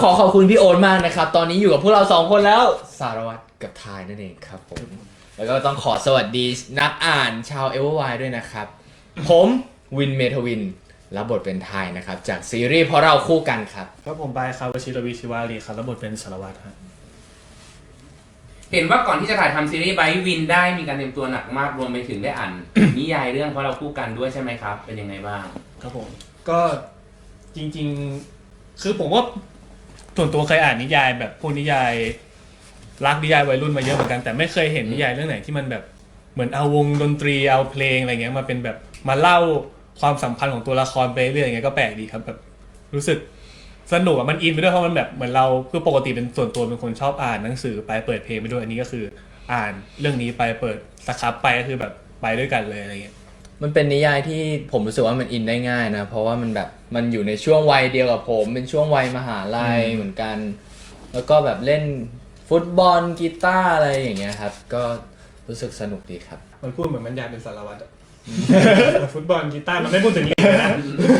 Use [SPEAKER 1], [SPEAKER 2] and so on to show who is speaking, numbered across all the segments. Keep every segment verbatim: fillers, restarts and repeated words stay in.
[SPEAKER 1] ขอขอบคุณพี่โอ๊ตมากนะครับตอนนี้อยู่กับพวกเราสองคนแล้วสารวัตรกับทายนั่นเองครับผมแล้วก็ต้องขอสวัสดีนักอ่านชาวเอเวอร์ไวด้วยนะครับผมวินเมทวินรับบทเป็นทายนะครับจากซีรีส์เพราะเราคู่กันครับ
[SPEAKER 2] ครับผมบายครับวชิรวีชิวารีครับรับบทเป็นสารวัตรครับ
[SPEAKER 3] เห็นว่าก่อนที่จะถ่ายทำซีรีส์ไบวินได้มีการเตรียมตัวหนักมากรวมไปถึงได้อ่าน นิยายเรื่องเพราะเราคู่กันด้วยใช่ไหมครับเป็นยังไงบ้าง
[SPEAKER 2] ครับผมก็จริงๆคือผมว่าส่วนตัวเคยอ่านนิยายแบบพวกนิยายรักนิยายวัยรุ่นมาเยอะเหมือนกันแต่ไม่เคยเห็นนิยายเรื่องไหนที่มันแบบเหมือนเอาวงดนตรีเอาเพลงอะไรเงี้ยมาเป็นแบบมาเล่าความสัมพันธ์ของตัวละครไปเรื่อยอย่างเงี้ยก็แปลกดีครับแบบรู้สึกสนุกอ่ะมันอินไปด้วยเพราะมันแบบเหมือนเราคือปกติเป็นส่วนตัวเป็นคนชอบอ่านหนังสือไปเปิดเพลงไปด้วยอันนี้ก็คืออ่านเรื่องนี้ไปเปิดสครับไปก็คือแบบไปด้วยกันเลยอะไรเงี้ย
[SPEAKER 1] มันเป็นนิยายที่ผมรู้สึกว่ามันอินได้ง่ายนะเพราะว่ามันแบบมันอยู่ในช่วงวัยเดียวกับผมเป็นช่วงวัยมหาลัยเหมือนกันแล้วก็แบบเล่นฟุตบอลกีตาร์อะไรอย่างเงี้ยครับก็รู้สึกสนุกดีครับ
[SPEAKER 2] มันพูดเหมือนมันอยากเป็นสารวัตรอะ ฟุตบอลกีตาร์มันไม่พูดถึงนี้เลยนะ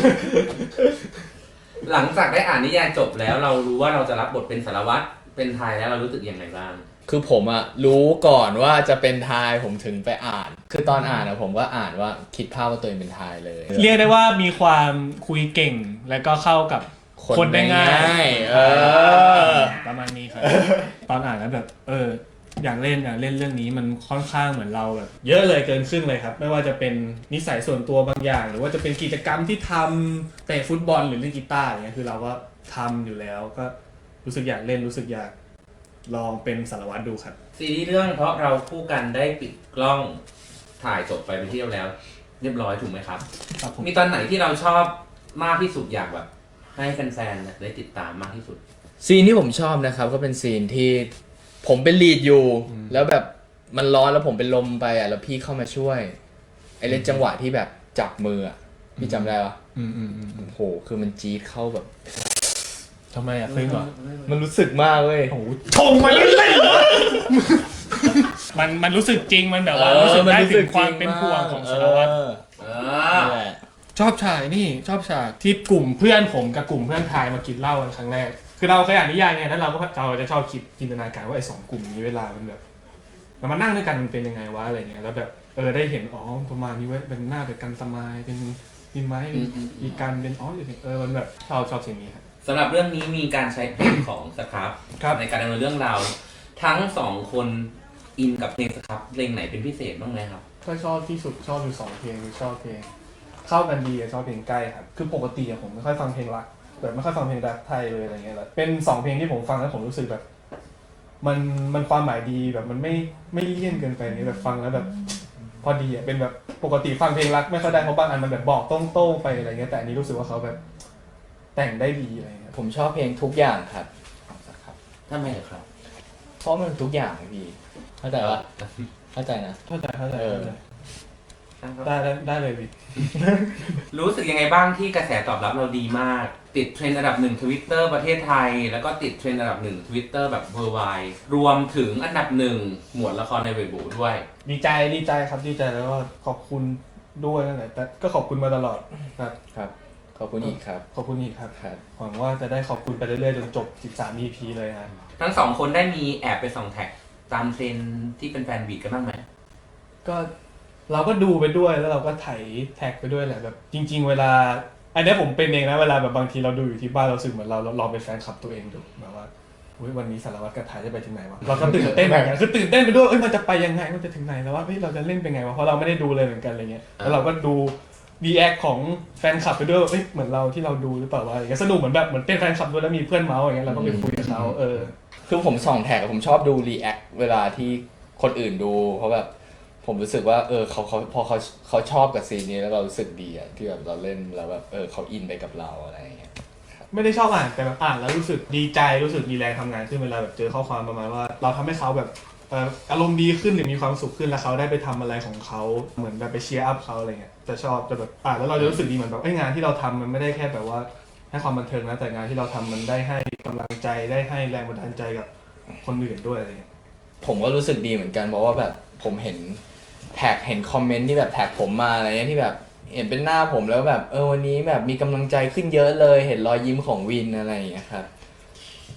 [SPEAKER 3] หลังจากได้อ่านนิยายจบแล้วเรารู้ว่าเราจะรับบทเป็นสารวัตรเป็นทายแล้วเรารู้สึกยังไงบ้าง
[SPEAKER 1] คือผมอะรู้ก่อนว่าจะเป็นทายผมถึงไปอ่านคือตอนอ่านอะผมก็อ่านว่าคิดภาพว่าตัวเองเป็นทายเลย
[SPEAKER 2] เรียกได้ว่ามีความคุยเก่งแล้วก็เข้ากับคนได้ง่าย
[SPEAKER 1] เออ
[SPEAKER 2] ประมาณนี้ครับตอนอ่านแล้วแบบเอออยากเล่นอยากเล่นเรื่องนี้มันค่อนข้างเหมือนเราแบบเยอะเลยเกินครึ่งเลยครับไม่ว่าจะเป็นนิสัยส่วนตัวบางอย่างหรือว่าจะเป็นกิจกรรมที่ทำเตะฟุตบอลหรือเล่นกีตาร์อย่างเงี้ยคือเราก็ทำอยู่แล้วก็รู้สึกอยากเล่นรู้สึกอยากลองเป็นสารวัตรดูครับ
[SPEAKER 3] ซีรีส์เรื่องเพราะเราคู่กันได้ปิดกล้องถ่ายจบไปเป็นที่เรียบแล้วเรียบร้อยถูกไหมครับมีตอนไหนที่เราชอบมากที่สุดอยากแบบให้แฟนๆได้ติดตามมากที่สุด
[SPEAKER 1] ซีนที่ผมชอบนะครับก็เป็นซีนที่ผมเป็นลีดอยู่แล้วแบบมันร้อนแล้วผมเป็นลมไปอ่ะแล้วพี่เข้ามาช่วยไอ้เล่นจังหวะที่แบบจับมืออ่ะพี่จำได้ปะ
[SPEAKER 2] อืมอืมอืม
[SPEAKER 1] โอ้โหคือมันจี๊ดเข้าแบบ
[SPEAKER 2] ทำไมอ่ะเคยเหรอ
[SPEAKER 1] มันรู้สึกมากเว้ย
[SPEAKER 2] โอ้โหชงมาเล่นๆมันมันรู้สึกจริงมันแบบว่ารู้สึกได้ถึงความเป็นห่วงของสารวัตรชอบฉากนี่ชอบฉากที่กลุ่มเพื่อนผมกับกลุ่มเพื่อนทายมากินเหล้ากันครั้งแรกคือเราเคยอ่านนิยายไงแล้วเราก็เราจะชอบคิดจินตนาการว่าไอ้สองกลุ่มนี้เวลามันแบบเรามานั่งด้วยกันมันเป็นยังไงวะอะไรเงี้ยแล้วแบบเออได้เห็นอ๋อประมาณนี้เว้ยเป็นหน้าเป็นกันสมายเป็นมีไม้มีการเป็นอ๋อเออมันแบบชอบชอบสิ่งนี้ครับ
[SPEAKER 3] สำหรับเรื่องนี้มีการใช้เพลงของสครับในการดำเนินเรื่องราวทั้งสองคนอินกับเพลงสครับเพลงไหนเป็นพิเศษบ้างไหมครับ
[SPEAKER 2] ก็ชอบที่สุดชอบอยู่สองเพลงชอบเพลงเข้ากันดีชอบเพลงใกล้ครับคือปกติผมไม่ค่อยฟังเพลงรักแบบไม่ค่อยฟังเพลงรักไทยเลยอะไรเงี้ยแล้วเป็นสองเพลงที่ผมฟังแล้วผมรู้สึกแบบมันมันความหมายดีแบบมันไม่ไม่เลี่ยนเกินไปนี่แบบฟังแล้วแบบพอดีอ่ะเป็นแบบปกติฟังเพลงรักไม่ค่อยได้เพราะบางอันมันแบบบอกโต้งๆไปอะไรเงี้ยแต่อันนี้รู้สึกว่าเขาแบบแต่งได้ดีอะไรเงี้ย
[SPEAKER 1] ผมชอบเพลงทุกอย่างครับ
[SPEAKER 3] ครับทำไมครับ
[SPEAKER 1] เพราะมันทุกอย่างพี่เข้าใจปะเข้าใจนะ
[SPEAKER 2] เข้าใจเข้าใจได้ได้ได้เลยพี่
[SPEAKER 3] รู้สึกยังไงบ้างที่กระแสตอบรับเราดีมากติดเทรนด์อันดับหนึ่งทวิตเตอร์ประเทศไทยแล้วก็ติดเทรนด์อันดับหนึ่งทวิตเตอร์แบบเวอร์ไวด์รวมถึงอันดับหนึ่งหมวดละครในเว็บบูด้วย
[SPEAKER 2] ดีใจดีใจครับดีใจแล้วก็ขอบคุณด้วยนั่นแหละแต่ก็ขอบคุณมาตลอดครับ
[SPEAKER 1] ครับขอบคุณอีกครับ
[SPEAKER 2] ขอบคุณอีกครับหวังว่าจะได้ขอบคุณไปเรื่อยๆจนจบสิบสาม อี พี เลยนะ
[SPEAKER 3] ทั้งสองคนได้มีแอบไปส่องแท็กตามเทรนด์ที่เป็นแฟนบีทกันบ้างไหม
[SPEAKER 2] ก็เราก็ดูไปด้วยแล้วเราก็ไถแท็กไปด้วยแหละแบบจริงๆเวลาอันนี้ผมเป็นเองนะเวลาแบบบางทีเราดูอยู่ที่บ้านเราสึกเหมือนเราลองเป็นแฟนคลับตัวเองดูแบบว่าวันนี้สารวัตรกับถ่ายจะไปถึงไหนวะเราก็ตื่นเต้นเหมือนกันคือตื่นเต้นไปด้วยเอ้ยมันจะไปยังไงมันจะถึงไหนแล้วว่าเฮ้ยเราจะเล่นเป็นไงวะเพราะเราไม่ได้ดูเลยเหมือนกันอะไรเงี้ยแล้วเราก็ดูรีแอคของแฟนคลับไปด้วยเอ้ยเหมือนเราที่เราดูหรือเปล่าวะอะไรเงี้ยสนุกเหมือนแบบเหมือนเป็นแฟนคลับด้วยแล้วมีเพื่อนเมาส์อย่างเงี้ยเราก็ไปคุยกับเขาเออ
[SPEAKER 1] คือผมส่องแท็กผมชอบดูรีแอคเวลาที่คนอื่นดูเพราะแบบผมรู้สึกว่าเออเขาเขาพอเขาเขาชอบกับซีนนี้แล้วเรารู้สึกดีอะที่แบบเราเล่นแล้วแบบเออเขาอินไปกับเราอะไรอย่างเงี้ย
[SPEAKER 2] ไม่ได้ชอบอ่านแต่แบบอ่านแล้วรู้สึกดีใจรู้สึกมีแรงทำงานขึ้นเวลาแบบเจอข้อความประมาณว่าเราทำให้เขาแบบอารมณ์ดีขึ้นหรือมีความสุขขึ้นแล้วเขาได้ไปทำอะไรของเขาเหมือนแบบไปเชียร์อัพเขาอะไรเงี้ยจะชอบจะแบบอ่านแล้วเราจะรู้สึกดีเหมือนแบบไอ้งานที่เราทำมันไม่ได้แค่แบบว่าให้ความบันเทิงนะแต่งานที่เราทำมันได้ให้กำลังใจได้ให้แรงบันดาลใจกับคนอื่นด้วยอะไรเงี้ย
[SPEAKER 1] ผมก็รู้สึกดีเหมือนกันเพราะว่าแบบผมเห็นแท็กเห็นคอมเมนต์ที่แบบแท็กผมมาอะไรเงี้ยที่แบบเห็นเป็นหน้าผมแล้วแบบเออวันนี้แบบมีกำลังใจขึ้นเยอะเลยเห็นรอยยิ้มของวินอะไรอย่างเงี้ยครับ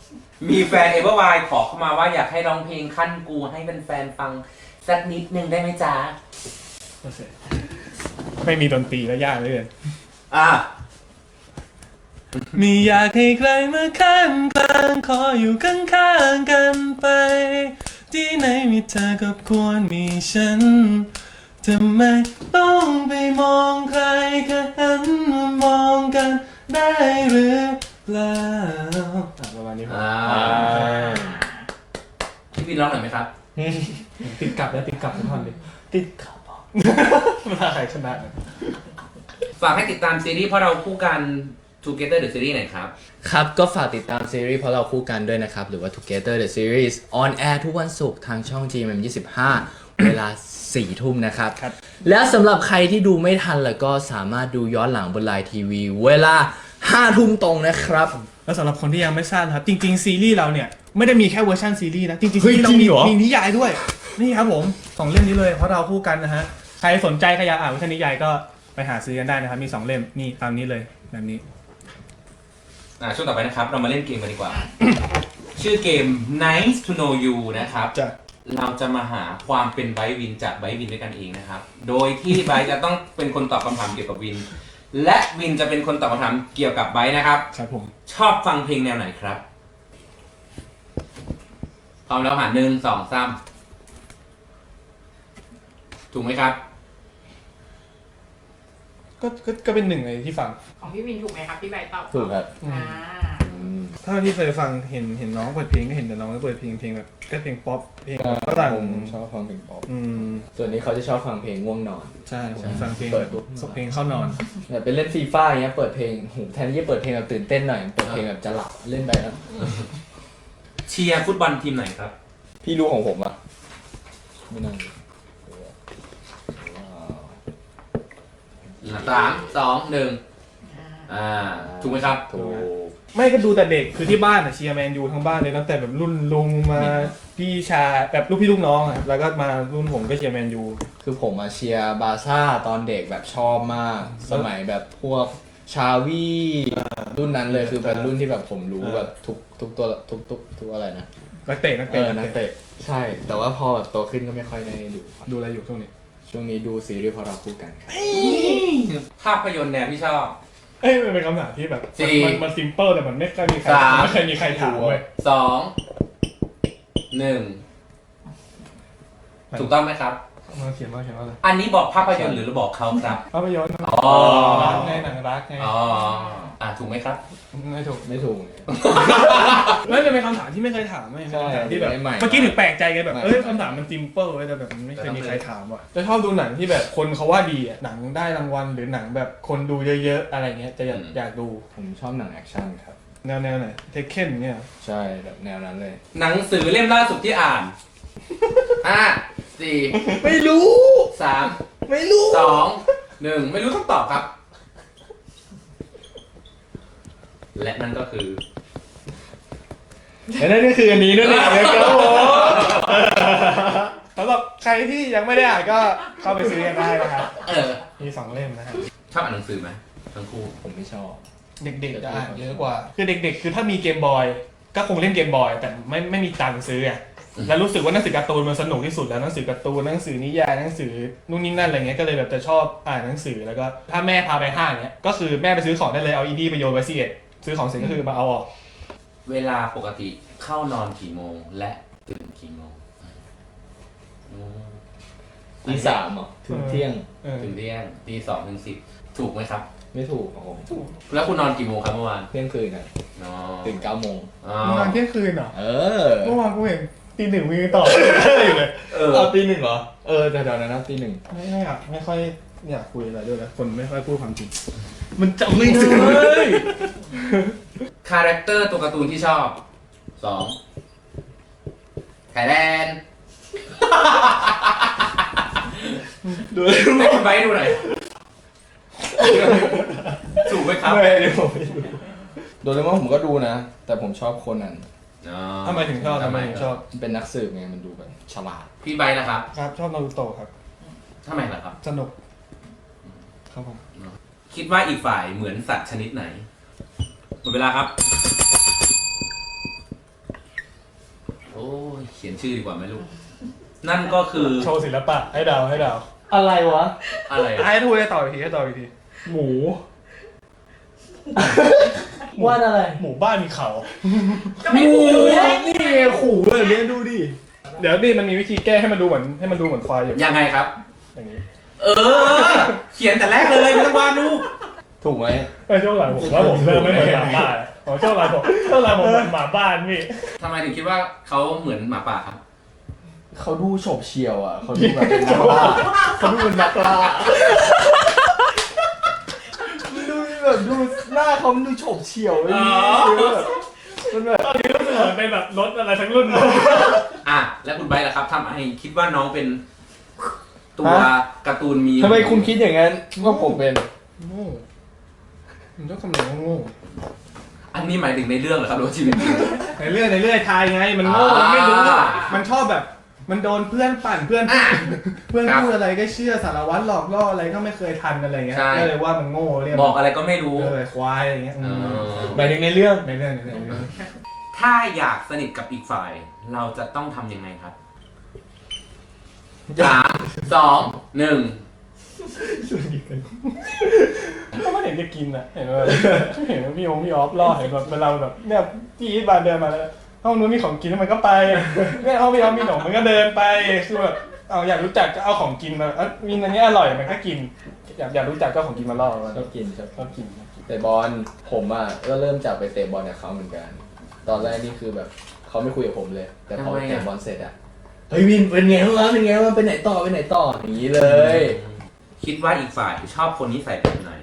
[SPEAKER 3] มีแฟนเอเวอร์ไวขอเข้ามาว่าอยากให้ร้องเพลงขั้นกูให้เป็นแฟนๆฟังสักนิดนึงได้ไหมจ๊ะ
[SPEAKER 2] ไม่มีดนตรีแล้วยากเลย
[SPEAKER 3] อ่ะ
[SPEAKER 2] มีอยากให้ใครมาข้างกลางขออยู่ข้างๆกันไป ที่ไหนมีเธอก็ควรมีฉันทำไมต้องไปมองใครแค่หันมามองกันได้หรือเปล่าประมาณนี้ครับ
[SPEAKER 3] อ่าพี่วินร้องหน่อยไหมครับ
[SPEAKER 2] ติดกลับแล้วติดกลับทุกท่อนเลยติดกลับเวลาใครชนะ
[SPEAKER 3] ฝากให้ติดตามซีรีส์เพราะเราคู่กัน Together the Series หน่อยครับ
[SPEAKER 1] ครับก็ฝากติดตามซีรีส์เพราะเราคู่กันด้วยนะครับ หรือว่า Together the Series on air ทุกวันศุกร์ทางช่อง จี เอ็ม เอ็ม ยี่สิบห้า เวลาสี่ทุ่มนะครับ
[SPEAKER 2] ครับ
[SPEAKER 1] และสำหรับใครที่ดูไม่ทันแล้วก็สามารถดูย้อนหลังบนไลน์ทีวีเวลาห้าทุ่มตรงนะครับ
[SPEAKER 2] แล้วสำหรับคนที่ยังไม่ทราบนะครับจริงๆซีรีส์เราเนี่ยไม่ได้มีแค่เวอร์ชันซีรีส์นะจริงๆ
[SPEAKER 1] เฮ้
[SPEAKER 2] ซี
[SPEAKER 1] ย
[SPEAKER 2] รีส์เรา
[SPEAKER 1] จริ
[SPEAKER 2] มี
[SPEAKER 1] งเหรอ
[SPEAKER 2] มีนิยายด้วยนี่ครับผมสองเล่มนี้เลยเพราะเราคู่กันนะฮะใครสนใจใครอยากอ่านเวอร์ชันนิยายก็ไปหาซื้อกันได้นะครับมีสองเล่มนี่ตามนี้เลยแบบนี้
[SPEAKER 3] อ่าช่วงต่อไปนะครับ เรามาเล่นเกมกันดีกว่า ชื่อเกม Nice to Know You นะครับ
[SPEAKER 2] จะ
[SPEAKER 3] เราจะมาหาความเป็นไบร์ทวินจากไบร์ทวินด้วยกันเองนะครับ โดยที่ไบร์ทจะต้องเป็นคนตอบคำถามเกี่ยวกับวิน และวินจะเป็นคนตอบคำถามเกี่ยวกับไบร์ทนะครับ
[SPEAKER 2] ครับผม
[SPEAKER 3] ชอบฟังเพลงแนวไหนครับพร้อมแล้วหาหนึ่งสองสามถูกไหมครับ
[SPEAKER 2] ก็ก็ก็เป็นหนึ่งในที่ฟัง
[SPEAKER 4] ของพี่วินถูกไหมครับพี่ใบตอบ
[SPEAKER 1] ถูกครับ
[SPEAKER 4] อ่า
[SPEAKER 2] ถ้าที่เคยฟังเห็นเห็นน้องเปิดเพลงก็เห็นแต่น้องเปิดเพลงเพลงแบบก็เพลงป๊อปเพลงฝรั่ง
[SPEAKER 1] ผมชอบฟังเพลงป๊อป
[SPEAKER 2] อืม
[SPEAKER 1] ส่วนนี้เขาจะชอบฟังเพลงง่วงนอน
[SPEAKER 2] ใช่ผมฟังเพลง
[SPEAKER 1] เปิดปุ๊บ
[SPEAKER 2] สเพลงเข้านอน
[SPEAKER 1] แบบไปเล่นฟีฟ่าอย่างเงี้ยเปิดเพลงโหแทนที่จะเปิดเพลงแบบตื่นเต้นหน่อยเปิดเพลงแบบจะหลับเล่นไปแล้ว
[SPEAKER 3] เชียร์ฟุตบอลทีมไหนครับ
[SPEAKER 1] พี่รู้ของผมอ่ะไม่นั่ง
[SPEAKER 3] สามสองหนึ่งอ่าถูกไหมครับ
[SPEAKER 1] ถูก
[SPEAKER 2] ไม่ก็ดูแต่เด็กคือที่บ้านอะเชียร์แมนยูทั้งบ้านเลยตั้งแต่แบบรุ่นลุงมาพี่ชายแบบลูกพี่ลูกน้องอะแล้วก็มารุ่นผมก็เชียร์แมนยู
[SPEAKER 1] คือผมมาเชียร์บาร์ซ่าตอนเด็กแบบชอบมาก สมัยแบบพวกชาวีรุ่นนั้นเลยคือเป็นรุ่นที่แบบผมรู้แบบทุกทุกตัวทุกทุกทุกอะไรนะ
[SPEAKER 2] นักเตะนัก
[SPEAKER 1] เอ
[SPEAKER 2] เตะ
[SPEAKER 1] อนักเตะใช่ แต่ว่าพอแบบโตขึ้นก็ไม่ค่อยได้ดูครับ
[SPEAKER 2] ดูอะไรอยู่ช่วงนี้
[SPEAKER 1] ช่วงนี้ดูซีรีส์เพราะเราคู่กันครับ
[SPEAKER 3] ภาพยนตร์แนวที่ชอบ
[SPEAKER 2] เอ้ยมันเป็นคำถามที่แบบ
[SPEAKER 3] สี่
[SPEAKER 2] มันมันซิมเปิลแต่มันไม่เคยมีใคร
[SPEAKER 3] สาม
[SPEAKER 2] ไม่เคยมีใครถามเว้ย
[SPEAKER 3] สองหนึ่งถูกต้องไหมครับ
[SPEAKER 2] มาเขียนมาเขียนว่าอะไร
[SPEAKER 3] อันนี้บอกภาพยนตร์หรือบอกเขาครับ
[SPEAKER 2] ภาพยนตร์
[SPEAKER 3] อ๋อ
[SPEAKER 2] รักไงหนังรักไง
[SPEAKER 3] อ๋ออ่าถูกไหมครับ
[SPEAKER 2] ไม่ถูก
[SPEAKER 1] ไม่ถูก
[SPEAKER 2] ไม่เป็นคำถามที่ไม่เคยถามไม่เป็น
[SPEAKER 1] ใช่
[SPEAKER 2] คำถามที่แบบ
[SPEAKER 1] ใหม่ๆ
[SPEAKER 2] เมื่อกี้ถึงแปลกใจไงแบบ
[SPEAKER 1] ใหม่ๆ
[SPEAKER 2] เอ้ยคำถามมันซิมเปิลเว้ยแต่แบบมันไม่เคยมีใครถามว่ะจะชอบดูหนังที่แบบคนเขาว่าดีอะหนังได้รางวัลหรือหนังแบบคนดูเยอะๆอะไรเงี้ยจะอยากอยากดู
[SPEAKER 1] ผมชอบหนังแอคชั่นครับ
[SPEAKER 2] แนวแนวไหนเทคเคนเนี่ย
[SPEAKER 1] ใช่แบบแนวนั้นเลย
[SPEAKER 3] หนังสือเล่มล่าสุดที่อ่านห้าสี่
[SPEAKER 1] ไม่รู้
[SPEAKER 3] สาม
[SPEAKER 1] ไม่รู้
[SPEAKER 3] สองหนึ่งไม่รู้คำตอบครับ และนั่นก็คือ
[SPEAKER 1] และนั่นก็คืออันนี้นั่นเองนะครับผม
[SPEAKER 2] สำหรับใครที่ยังไม่ได้อ่านก็เข้าไปซื้อกันได้นะครับ
[SPEAKER 3] เออ
[SPEAKER 2] มีสองเล่มนะครับ
[SPEAKER 3] ชอบอ่านหนังสือไหมทั้งคู่
[SPEAKER 1] ผมไม่ชอบ
[SPEAKER 2] เด็กๆจะอ่านเยอะกว่า คือเด็กๆ คือถ้ามีเกมบอยก็คงเล่นเกมบอยแต่ไม่ไม่มีตังค์ซื้ออ่ะแล้วรู้สึกว่าหนังสือการ์ตูนมันสนุกที่สุดแล้วหนังสือการ์ตูนหนังสือนิยายหนังสือนู่นนี่นั่นอะไรเงี้ยก็เลยแบบจะชอบอ่านหนังสือแล้วก็ถ้าแม่พาไปห้างเนี้ยก็คือแม่ไปซื้อของได้เลยเอาอีดีไปโยนไว้ซีเอ็ดซื้อของเสร็จก็คือมาเอาออก
[SPEAKER 3] เวลาปกติเข้านอนกี่โมงและตื่นกี่โมงอืม
[SPEAKER 1] ตีสามเหรอถึงเที่ยง
[SPEAKER 2] เออ
[SPEAKER 3] ถึงเที่ยงตีสองถึงสิบถูกไหมครับ
[SPEAKER 1] ไม่ถูกของผม
[SPEAKER 3] แล้วคุณนอนกี่โมงครับเมื่อวาน
[SPEAKER 1] เที่ยงคืนนะ
[SPEAKER 3] นอน
[SPEAKER 1] ตื่นเก้าโมง
[SPEAKER 3] อ๋อ
[SPEAKER 2] เมื่อวานเที่ยงคืนเหรอ
[SPEAKER 1] เออ
[SPEAKER 2] เมื่อวานกูเห็นตีหนึ่งมีต่ออยู่เลย
[SPEAKER 3] เออ
[SPEAKER 1] เอาตีหนึ่งเหรอ เออแต่เดี๋ยวนั้นนะตีหนึ่ง
[SPEAKER 2] ไม่ไม่อยากไม่ค่อยอยากคุยอะไรด้วยนะคนไม่ค่อยพูดความจริงมันจำไม่ได้
[SPEAKER 3] คาแรคเตอร์ตัวการ์ตูนที่ชอบสองไทยแลนด์
[SPEAKER 1] ดู
[SPEAKER 3] ให้คุณไบร์ทดูหน่อยถูกไหมครับ
[SPEAKER 1] ไม่ได้ผมไม่ดูโดเรมอนผมก็ดูนะ แต่ผมชอบโคนัน
[SPEAKER 3] อ๋อ
[SPEAKER 2] ทำไมถึงชอบทำไมถึงชอบ
[SPEAKER 1] มันเป็นนักสืบไงมันดูแบบฉลาด
[SPEAKER 3] พี่ไบร์ทนะครับ
[SPEAKER 2] ครับชอบนารูโตะครับ
[SPEAKER 3] ทำไมล่ะครับ
[SPEAKER 2] สนุกครับผม
[SPEAKER 3] คิดว่าอีกฝ่ายเหมือนสัตว์ชนิดไหนหมดเวลาครับขียนชื่อดีกว่าไหมลูก นั่นก็คือ
[SPEAKER 2] โชว์ศิลปะให้เดาให้เดา
[SPEAKER 1] อะไรวะ
[SPEAKER 3] อะไรอะ
[SPEAKER 2] ให้ทูให้ต่ออีกทีให้ต่ออีกทีหมู
[SPEAKER 1] วาดอะไร
[SPEAKER 2] หมู่บ้านมีเขา
[SPEAKER 4] ก็ไม่ถูกเลย
[SPEAKER 1] นี่ไงขู่แบบนี้ดูดิ
[SPEAKER 2] เดี๋ยวนี่มันมีวิธีแก้ให้มันดูเหมือนให้มันดูเหมือนควายอยู่
[SPEAKER 3] ยังไงครับ
[SPEAKER 2] อย่างนี้
[SPEAKER 3] เออ เขียนแต่แรกเลยไม่ต้องวาดรูป
[SPEAKER 1] ถูกไหม
[SPEAKER 2] ไอ้ช่วงหลังผมว่าผมเริ่มไม่เหมือนหมาบ้านผมช่วงหลังผมช่วงหลังผมเหมือนหมาบ้านพี่
[SPEAKER 3] ทำไมถึงคิดว่าเขาเหมือนหมาป่าครับ
[SPEAKER 1] เขาดูโฉบเฉี่ยวอ่ะเขาดูแบบเป็นนักล่าเขาดูเป็นนักล่าดูแบบดูหน้าเขาดูโฉบเฉี่ยวเลยมันแบบ
[SPEAKER 2] ตอนนี้รู้สึกเหมือนเป็นแบบรถอะไรทั้งรุ่นเลย
[SPEAKER 3] อ่ะ แล้วคุณไบร์ทล่ะครับทำไมคิดว่าน้องเป็นตัวการ์ตูนมี
[SPEAKER 1] ทำไมคุณคิดอย่างนั้นว่าผมเป็น
[SPEAKER 2] โง่มันต้องคำนวณว่าโง่
[SPEAKER 3] อันนี้หมายถึงในเรื่องเหรอครับหรือว่าชีวิตจริง
[SPEAKER 2] ในเรื่อยในเรื่อยทายไงมันโง่มันไม่รู้
[SPEAKER 3] อ่า
[SPEAKER 2] มันชอบแบบมันโดนเพื่อนปั่นเพื่อน
[SPEAKER 3] อ่ะ
[SPEAKER 2] เพื่อน
[SPEAKER 3] ครับ
[SPEAKER 2] พูดอะไรก็เชื่อสารวัตรหลอกล่ออะไรก็ไม่เคยทันอะไรเงี้ย
[SPEAKER 3] ใช่
[SPEAKER 2] ก็เลยว่ามันโง่เรียก
[SPEAKER 3] บอกอะไรก็ไม่รู้
[SPEAKER 2] เออควายอะไรเงี้ย
[SPEAKER 3] เออ
[SPEAKER 1] หมายถึงในเรื่อง
[SPEAKER 2] ในเรื่องในเรื่องในเรื่อง
[SPEAKER 3] ถ้าอยากสนิทกับอีกฝ่าย เราจะต้องทำยังไงครับสามสองหนึ่ง
[SPEAKER 2] ก็ไม่เห็นจะกินอ่ะเห็นว่าเห็นว่าพี่องพี่ออฟล่อเห็นแบบเวลาแบบเนี่ยพี่อีทบานเดินมาแล้วห้องนู้นมีของกินมันก็ไปเนี่ยห้องพี่ออฟมีขนมมันก็เดินไปคือแบบเอาอยากรู้จักก็เอาของกินมาเอ้ยมีอันนี้อร่อยมันก็กิน อยากอยากรู้จักก็เอาของกินมาล่อมัน
[SPEAKER 1] ชอบกินครับ
[SPEAKER 2] ก็กิน
[SPEAKER 1] แต่บอลผมอ่ะก็เริ่มจากไปเตะบอลกับเขาเหมือนกัน ตอนแรกนี่คือแบบเขาไม่คุยกับผมเลย แต่พอ
[SPEAKER 3] ทำไมอะ
[SPEAKER 1] เตะบอลเสร็จอ่ะเฮ้ยวินเป็นไงวะเป็นไงวะไปไหนต่อไปไหนต่ออย่างนี้เลย
[SPEAKER 3] คิดว่าอีกฝ่ายชอบคนนิสัยแบบไหน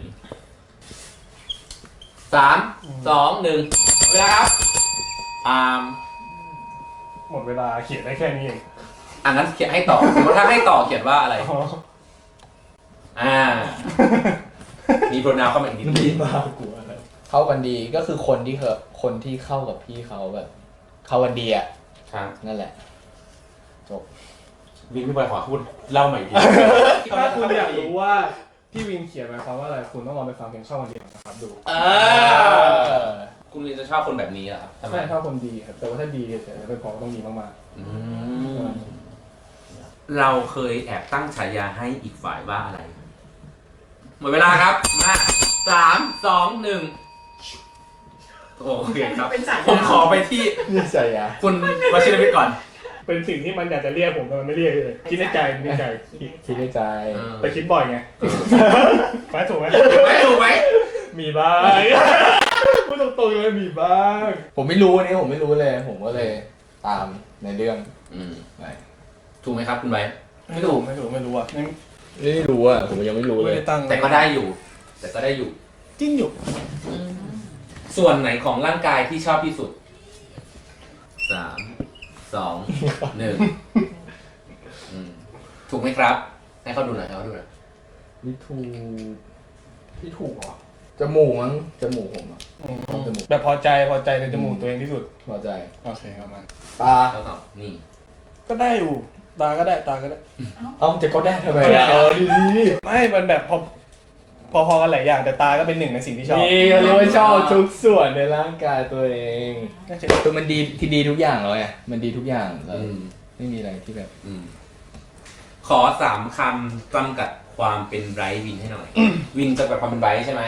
[SPEAKER 3] สามสองหนึ่งเวลาครับอ่า
[SPEAKER 2] หมดเวลาเขียนได้แค่นี้เอง
[SPEAKER 3] อันนั้นเขียนให้ต่อสมมติถ้าให้ต่อเขียนว่าอะไร
[SPEAKER 2] อ๋อ
[SPEAKER 3] อ่า มีโปรนาวเข้ามาอีกนิดนึง
[SPEAKER 1] มากลัวแล้วเข้ากันดีก็คือคนที่เคยคนที่เข้ากับพี่เขาแบบ เข้ากันดีอ่ะ
[SPEAKER 3] ครับ
[SPEAKER 1] นั่นแหละจบ
[SPEAKER 3] วินพี่บอยขอพูดเล่าใหม่อีกที
[SPEAKER 2] ถ้าคุณอยากรู้ว่าที่วินเขียนหมายความว่าอะไรคุณต้องลองไปฟังเพลงช่องวันเดียวนะครับดู
[SPEAKER 3] เออคุณวินจะชอบคนแบบนี้เหรอครับทำไม
[SPEAKER 2] ใช่ถ้าคนดีครับแต่ว่าถ้าดีแต่เป็นพอต้องดีมาก
[SPEAKER 3] อืมเราเคยแอบตั้งฉายาให้อีกฝ่ายว่าอะไร หมดเวลาครับมาสามสองหนึ่งโอเคครับ
[SPEAKER 4] เป็นสาย
[SPEAKER 3] ผมขอไปที่
[SPEAKER 1] นี่ใช่อะ
[SPEAKER 3] คุณวชิรวิทย์ก่อน
[SPEAKER 2] ๆเป็นสิ่งที่มันอยากจะเรียกผมแต่มันไม่เรียกเลยคิดในใจคิดในใจ
[SPEAKER 1] คิดในใจ
[SPEAKER 2] แต่คิดบ่อยไงฟ้าถูกไหม
[SPEAKER 3] ถูกไหมถูกไหม
[SPEAKER 2] มีบ้างพูดตรงๆเลยมีบ้าง
[SPEAKER 1] ผมไม่รู้อันนี้ผมไม่รู้เลย ผมก็เลยตามในเรื่อง
[SPEAKER 3] อืม
[SPEAKER 1] ไป
[SPEAKER 3] ถูกไหมครับคุณไว้
[SPEAKER 2] ไม่ถูกไม่ถูกไม่รู้อ่ะไม่
[SPEAKER 1] ไม่รู้อ่ะผมยังไม่รู้เล
[SPEAKER 2] ไม่
[SPEAKER 1] ย
[SPEAKER 2] ได้ตั้ง
[SPEAKER 3] แต่ก็ได้อยู่ แต่ก็ได้อยู่
[SPEAKER 2] จิ้งอยู่
[SPEAKER 3] ส่วนไหนของร่างกายที่ชอบที่สุดสามสองหนึ่งอืมถูกไหมครับ ให้เขาดูหน่อยให้เขาดูหน่อย
[SPEAKER 1] นี่ถูกนี่ถูกเหรอจมูกมั้งจมูกผมอ่ะ จมูก
[SPEAKER 2] แบบพอใจพอใจในจมูกตัวเองที่สุด
[SPEAKER 1] พอใจ
[SPEAKER 2] โอเคครับมัน
[SPEAKER 1] ตา
[SPEAKER 3] เขาตอบนี่
[SPEAKER 2] ก็ได้อยู่ตาก็ได้ตาก็ได้
[SPEAKER 1] เอ้าจะก็ได้ทำไมอ่ะเออดี
[SPEAKER 2] ไม่มันแบบพอพอๆกันหลายอย่างแต่ตาก็เป็นหนึ่งในสิ่งที่ชอบ
[SPEAKER 1] นี่เขาเรียกว่าชอบทุกส่วนในร่างกายตัวเอง
[SPEAKER 2] น่าจะ
[SPEAKER 1] คือมันดีที่ดีทุกอย่างเลยมันดีทุกอย่างแล้ว
[SPEAKER 3] อืม
[SPEAKER 1] ไม่มีอะไรที่แบบ
[SPEAKER 3] อืมขอสามคำจำกัดความเป็นไบรท์วินให้หน่อย วินจำกัดความเป็นไบรท์ใช่ไหม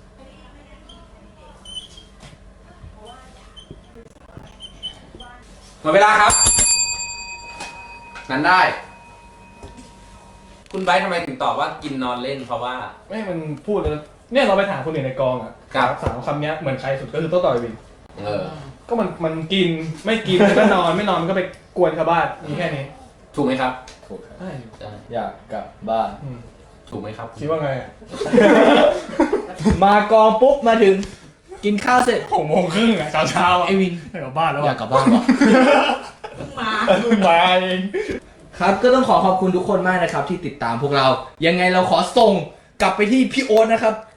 [SPEAKER 3] หมดเวลาครับ นั้นได้ คุณไบรท์ทำไมถึงตอบว่ากินนอนเล่นเพราะว่า
[SPEAKER 2] ไม่มันพูดแล้วเนี่ยเราไปถามคนอื่นในกองอ่ะ
[SPEAKER 3] ครับ
[SPEAKER 2] สามคำเนี้ยเหมือนใครสุดก็คือโต้ต่อยวิน
[SPEAKER 3] เออ
[SPEAKER 2] ก็มันมันกินไม่กินมันก็นอนไม่นอนมันก็ไปกวนชาวบ้านมีแค่นี้
[SPEAKER 3] ถูกไหมครับ
[SPEAKER 1] ถูกครับ
[SPEAKER 2] ใช่
[SPEAKER 3] ใช่
[SPEAKER 1] อยากกลับบ้าน
[SPEAKER 2] อืม
[SPEAKER 3] ถูกไหมครับ
[SPEAKER 2] คิดว่าไงอะ
[SPEAKER 1] มากองปุ๊บมาถึง กินข้าวเสร็จ
[SPEAKER 2] หกโมงครึ่งอ่ะเช้าเช้าๆอ่ะ
[SPEAKER 1] ไอวิน
[SPEAKER 2] ไปกลับบ้านแล้ว
[SPEAKER 1] อยาก
[SPEAKER 2] อ่ะ
[SPEAKER 1] กลับบ้านเหรอ
[SPEAKER 4] เพิ่งมา
[SPEAKER 2] เพิ่งมาเอง
[SPEAKER 1] ครับก็ต้องขอขอบคุณทุกคนมากนะครับที่ติดตามพวกเรา ยังไงเราขอส่งกลับไปที่พี่โอ๊ตนะครับ